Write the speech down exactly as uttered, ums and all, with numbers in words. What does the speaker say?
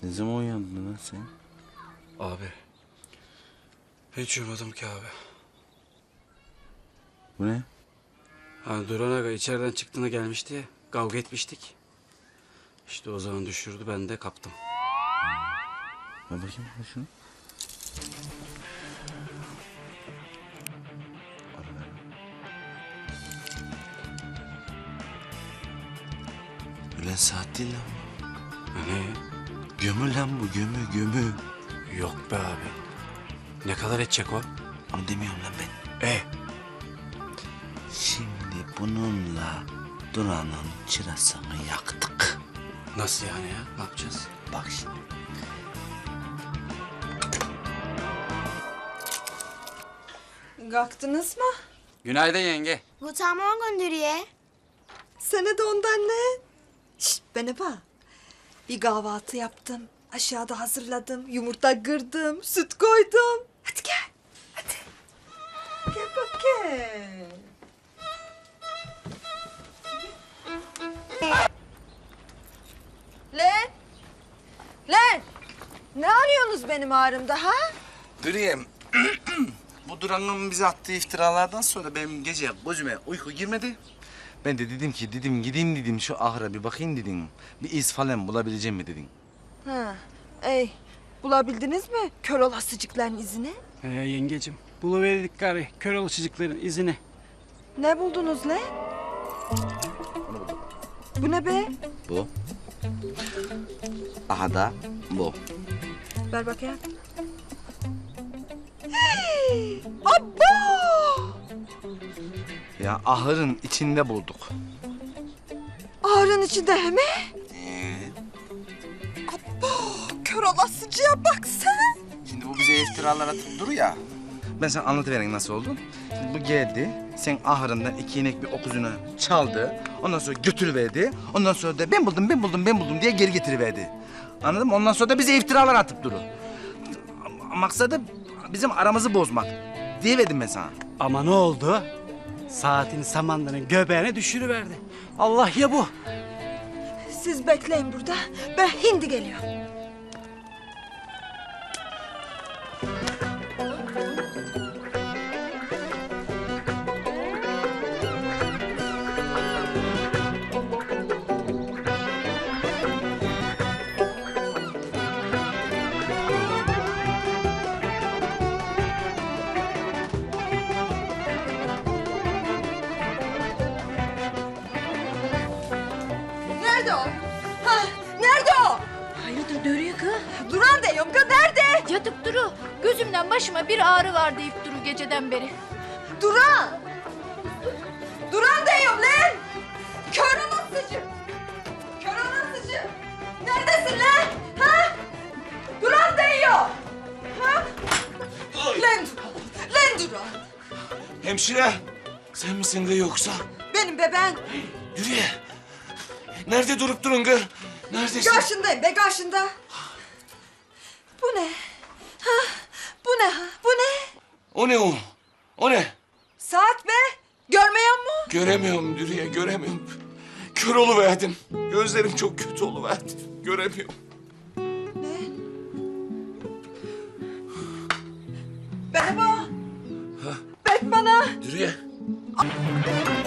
Ne zaman uyandın lan sen? Abi. Hiç uyumadım ki abi. Bu ne? Ha, Duran Aga içeriden çıktığında gelmişti ya. Kavga etmiştik. İşte o zaman düşürdü, ben de kaptım. Ver bakayım ver şunu. Ara ver. Ulan saat değil lan bu. Ne? Gömü lan bu gömü gömü. Yok be abi. Ne kadar edecek o? Onu demiyorum lan ben. E? Şimdi bununla Duran'ın çırasını yaktık. Nasıl yani ya? Ne yapacağız? Bak şimdi. Kalktınız mı? Günaydın yenge. Bu tamam gönderiyor. Sana da ondan ne? Şşt bana bak. Bir kahvaltı yaptım. Aşağıda hazırladım. Yumurta kırdım. Süt koydum. Hadi gel. Hadi. Gel bakayım. Lan. Lan. Ne arıyorsunuz benim ağrımda ha? Dürüyem. Bu Duran'ın bize attığı iftiralardan sonra benim gece gözüme uyku girmedi. Ben de dedim ki dedim gideyim dedim şu ahıra bir bakayım dedim. Bir iz falan bulabileceğim mi dedim. Ha. Ey. Bulabildiniz mi kör olasıcıkların izini? Ee, yengecim, buluverdik gari kör alışıcıkların izini. Ne buldunuz lan? Onu buldum. Bu ne be? Bu. Aha da bu. Ver bakayım. Hey! Abba! Ya ahırın içinde bulduk. Ağrın içinde he mi? Ee, Abba! Kör olasıcıya bak sen. şimdi bu bize iftiralar atıp duruyor ya. Ben sana anlatıvereyim nasıl oldu. Şimdi bu geldi, sen ahırından iki inek bir okuzunu çaldı. Ondan sonra götürüverdi. Ondan sonra da ben buldum, ben buldum, ben buldum diye geri getiriverdi. Anladın mı? Ondan sonra da bize iftiralar atıp duru. Maksadı bizim aramızı bozmak. Diyeverdim ben sana. Ama ne oldu? Saatin samanların göbeğine düşürüverdi. Allah ya bu. Siz bekleyin burada. Ben hindi geliyorum. Nerede o? Ha, nerede o? Hayırdır dörüyor kız? Duran diyorum kız, nerede? Yatıp duru. Gözümden başıma bir ağrı var deyip duru geceden beri. Duran! Duran diyorum lan! Kör olasıcı! Kör olasıcı! Neredesin lan? Ha? Duran diyor! Ha? Lan Duran! Lan Duran! Hemşire, sen misin gı yoksa? Benim bebeğim. Yürü ye. Nerede durup durun gı? Neredesin? Karşındayım be, karşında. Bu ne? Ha? Bu ne ha? Bu ne? O ne o? O ne? Saat be! Görmeyen mu? Göremiyorum Dürüye, göremiyorum. Kör oluverdim. Gözlerim çok kötü oluverdi. Göremiyorum. Ne? Bana bak. Bek bana. Dürüye.